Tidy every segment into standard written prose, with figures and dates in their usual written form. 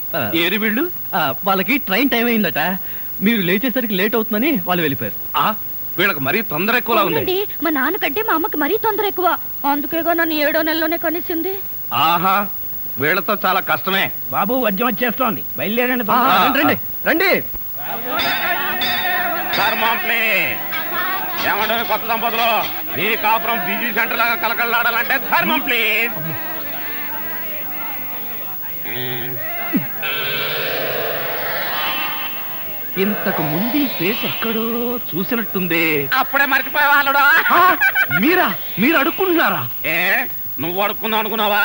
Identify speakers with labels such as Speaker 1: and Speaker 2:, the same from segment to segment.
Speaker 1: ఏరి వీళ్ళు
Speaker 2: వాళ్ళకి ట్రైన్ టైం అయిందట, మీరు లేచేసరికి లేట్ అవుతుందని వాళ్ళు వెళ్ళిపోయారు.
Speaker 1: వీళ్ళకి మరీ తొందర ఎక్కువలా ఉంది.
Speaker 3: మా నాన్నకంటే మా అమ్మకి మరీ తొందర ఎక్కువ, అందుకేగా నన్ను 7వ నెలలోనే కనిసింది.
Speaker 1: ఆహా, వీళ్ళతో చాలా కష్టమే.
Speaker 4: బాబు వద్యం వచ్చేస్తోంది, బయలుదేరండి.
Speaker 2: రండి రండి.
Speaker 1: ఏమంటే కొత్త దంపతులు, మీ కాపురం బిజీ సెంటర్ లాగా కలకలాడాలంటే ధర్మం ప్లీజ్. ఇంతకు ముందు ఫేస్ ఎక్కడో చూసినట్టుంది. అప్పుడే మర్చిపోయే వాళ్ళుడా. మీరు అడుక్కుంటున్నారా? నువ్వు అడుక్కుందాం అనుకున్నావా?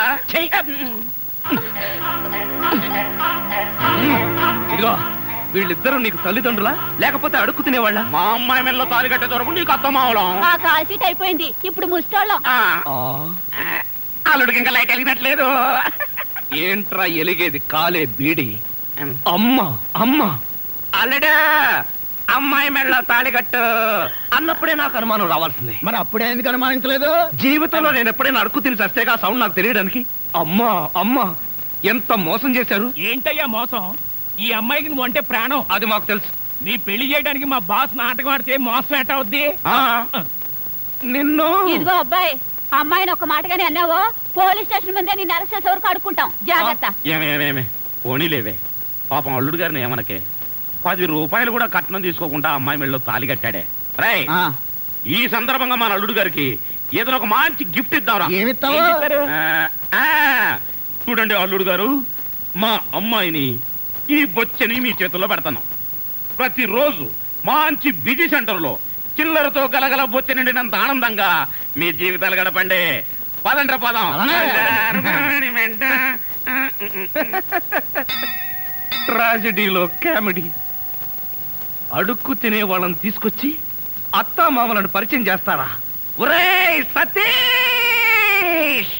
Speaker 1: ఇదిగో, వీళ్ళిద్దరూ నీకు తల్లిదండ్రులా లేకపోతే అడుక్కు తినేవాళ్ళ? మా అమ్మాయి మెల్లో తాలి కట్టే దొరకు నీకు అత్తమావలం.
Speaker 3: కాల్ సీట్ అయిపోయింది, ఇప్పుడు ముస్టాళ్ళం.
Speaker 1: అల్లుడికి ఇంకా లైట్ వెలిగినట్లేదు. ఏంట్రా ఎలిగేది? కాలే బీడి. అమ్మా అమ్మా, అల్లుడా అమ్మాయి మెళ్ళ తాళి కట్టు అన్నప్పుడే నాకు అనుమానం రావాల్సింది.
Speaker 4: మరి అప్పుడే ఎందుకు అనుమానించలేదు?
Speaker 1: జీవితంలో నేను ఎప్పుడైనా అడుక్కు తిని చస్తేగా సౌండ్ నాకు తెలియడానికి. అమ్మా అమ్మా, ఎంత మోసం చేశారు.
Speaker 4: ఏంటయ్యా మోసం? ఈ అమ్మాయికి నువ్వు అంటే ప్రాణం.
Speaker 1: అది మాకు తెలుసు.
Speaker 4: నీ పెళ్లి చేయడానికి మా బాస్ నాటకం ఆడితే మోసం ఎట్ట అవుద్ది?
Speaker 1: నిన్ను
Speaker 3: ఇదిగో అబ్బాయి, అమ్మాయిని ఒక మాటగానే అన్నావో పోలీస్ స్టేషన్ ముందే నేను అరెస్ట్ చేసే వరకు అడుక్కుంటాం, జాగ్రత్త.
Speaker 1: ఏమేమేమే పోనీలేవే, పాపం అల్లుడు గారిని ఏమనకే. 10 రూపాయలు కూడా కట్నం తీసుకోకుండా అమ్మాయి మెళ్ళలో తాళి కట్టాడే. రై, ఈ సందర్భంగా మన అల్లుడు గారికి ఏదైనా ఒక మంచి గిఫ్ట్ ఇద్దాంరా.
Speaker 4: ఏమిస్తావు?
Speaker 1: చూడండి అల్లుడు గారు, మా అమ్మాయిని ఈ బొచ్చని మీ చేతుల్లో పెడతాను. ప్రతిరోజు మంచి బిజీ సెంటర్ లో చిల్లరతో గలగల బొచ్చ నిండినంత ఆనందంగా మీ జీవితాలు గడపండి. పదండ్ర పదం. ట్రాజడీలో కామెడీ. అడుక్కు తినే వాళ్ళని తీసుకొచ్చి అత్తా మామలను పరిచయం చేస్తారా? ఒరేయ్ సతీష్,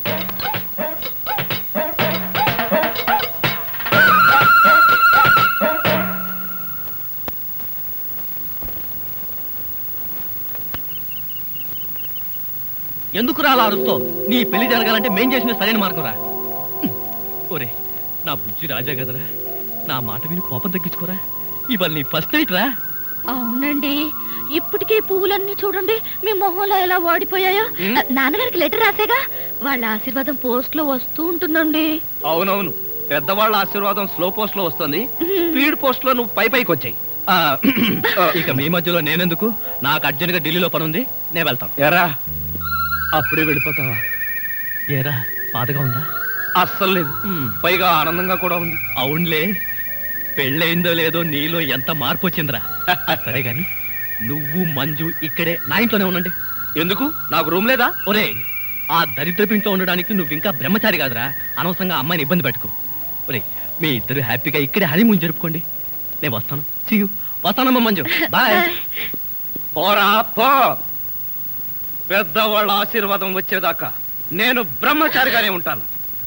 Speaker 2: ఎందుకు రాలా అరుస్తో? నీ పెళ్లి జరగాలంటే మేం చేసిన సరైన మార్గం రా. ఒరే నా బుజ్జి రాజా కదరా, నా మాట విని కోపం తగ్గించుకోరా. ఇవాళ నీ ఫస్ట్ నైట్ రా.
Speaker 3: అవునండి, ఇప్పటికే పువ్వులన్నీ చూడండి మీ మొహంలో ఎలా వాడిపోయాయో. నాన్నగారికి లెటర్ రాసేగా, వాళ్ళ ఆశీర్వాదం పోస్ట్ లో వస్తూ ఉంటుందండి.
Speaker 1: అవునవును, పెద్దవాళ్ళ ఆశీర్వాదం స్లో పోస్ట్ లో వస్తుంది, స్పీడ్ పోస్ట్ లో నువ్వు పైకి వచ్చాయి.
Speaker 2: ఇక మీ మధ్యలో నేనెందుకు? నాకు అర్జెంట్ గా ఢిల్లీలో పని ఉంది, నేను వెళ్తాను.
Speaker 1: ఎరా
Speaker 2: అప్పుడే వెళ్ళిపోతావా? ఏరా బాధగా ఉందా?
Speaker 1: అస్సలు లేదు, పైగా ఆనందంగా కూడా ఉంది.
Speaker 2: అవునులే, పెళ్ళయిందో లేదో నీలో ఎంత మార్పు వచ్చిందిరా. సరే గాని నువ్వు మంజు ఇక్కడే నా ఇంట్లోనే ఉండండి.
Speaker 1: ఎందుకు? నాకు రూమ్ లేదా?
Speaker 2: ఒరే, ఆ దరిద్రపు ఇంట్లో ఉండడానికి నువ్వు ఇంకా బ్రహ్మచారి కాదురా, అనవసరంగా అమ్మాయిని ఇబ్బంది పెట్టుకో. ఒరే, మీ ఇద్దరు హ్యాపీగా ఇక్కడే హనీమూన్ జరుపుకోండి. నేను వస్తాను. See you. వస్తానమ్మా మంజు, బాయ్.
Speaker 1: పోరా పో, పెద్దవాళ్ళ ఆశీర్వాదం వచ్చేదాకా నేను బ్రహ్మచారిగానే ఉంటాను.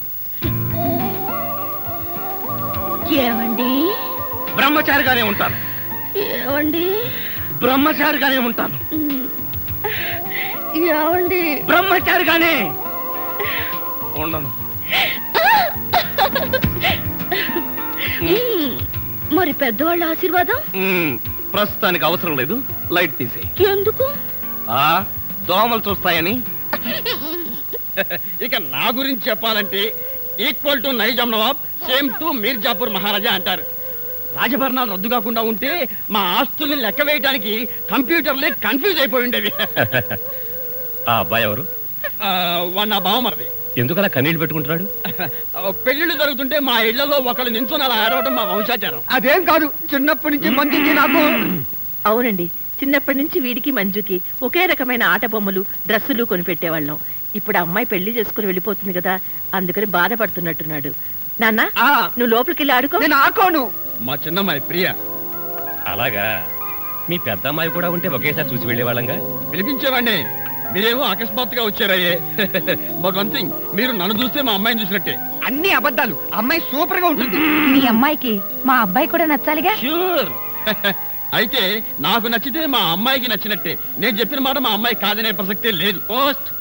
Speaker 3: ఏమండి?
Speaker 1: బ్రహ్మచారిగానే ఉంటాను.
Speaker 3: ఏమండి?
Speaker 1: బ్రహ్మచారిగానే ఉంటాను.
Speaker 3: ఏమండి?
Speaker 1: బ్రహ్మచారిగానే ఉండను.
Speaker 3: మరి పెద్దవాళ్ళ ఆశీర్వాదం?
Speaker 1: ప్రస్తుతానికి అవసరం లేదు, లైట్ తీసేయి.
Speaker 3: ఎందుకు?
Speaker 1: దోమలు చూస్తాయని.
Speaker 4: ఇక నా గురించి చెప్పాలంటే equal to Nizam Nawab, same to Mirzapur Maharaja అంటారు. రాజభరణాలు రద్దు కాకుండా ఉంటే మా ఆస్తుల్ని లెక్క వేయడానికి కంప్యూటర్లే కన్ఫ్యూజ్ అయిపోయి ఉండేవి.
Speaker 1: ఆ అబ్బాయి ఎవరు?
Speaker 4: వాడు నా బావమరిది.
Speaker 2: ఎందుకలా కన్నీళ్ళు పెట్టుకుంటున్నాడు?
Speaker 4: పెళ్లిళ్ళు జరుగుతుంటే మా ఇళ్లలో ఒకళ్ళు నించుని అలా ఆడవడం మా వంశాచారం.
Speaker 5: అదేం కాదు, చిన్నప్పటి నుంచి మంచిది నాకు.
Speaker 6: అవునండి, చిన్నప్పటి నుంచి వీడికి మంజుకి ఒకే రకమైన ఆట బొమ్మలు డ్రెస్సులు కొనిపెట్టేవాళ్ళం. ఇప్పుడు అమ్మాయి పెళ్లి చేసుకుని వెళ్ళిపోతుంది కదా, అందుకని బాధపడుతున్నట్టున్నాడు. నాన్న, నువ్వు లోపలికి వెళ్ళి ఆడుకో.
Speaker 5: నేను ఆడుకోను.
Speaker 4: మా చిన్నమ్మాయి ప్రియ.
Speaker 2: అలాగా, మీ పెద్ద అమ్మాయి కూడా ఉంటే ఒకేసారి చూసి వెళ్ళేవాళ్ళంగా.
Speaker 4: పిలిపించేవాడిని, మీరేమో అకస్మాత్తుగా వచ్చారయ్యే. బట్ వన్ థింగ్, మీరు నన్ను చూస్తే మా అమ్మాయిని చూసినట్టే.
Speaker 5: అన్ని అబద్ధాలు, అమ్మాయి సూపర్ గా ఉంటుంది.
Speaker 3: మీ అమ్మాయికి మా అబ్బాయి కూడా నచ్చాలిగా.
Speaker 4: ష్యూర్. అయితే నాకు నచ్చితే మా అమ్మాయికి నచ్చినట్టే. నేను చెప్పిన మాట మా అమ్మాయి కాదనే ప్రసక్తే లేదు. పోస్ట్.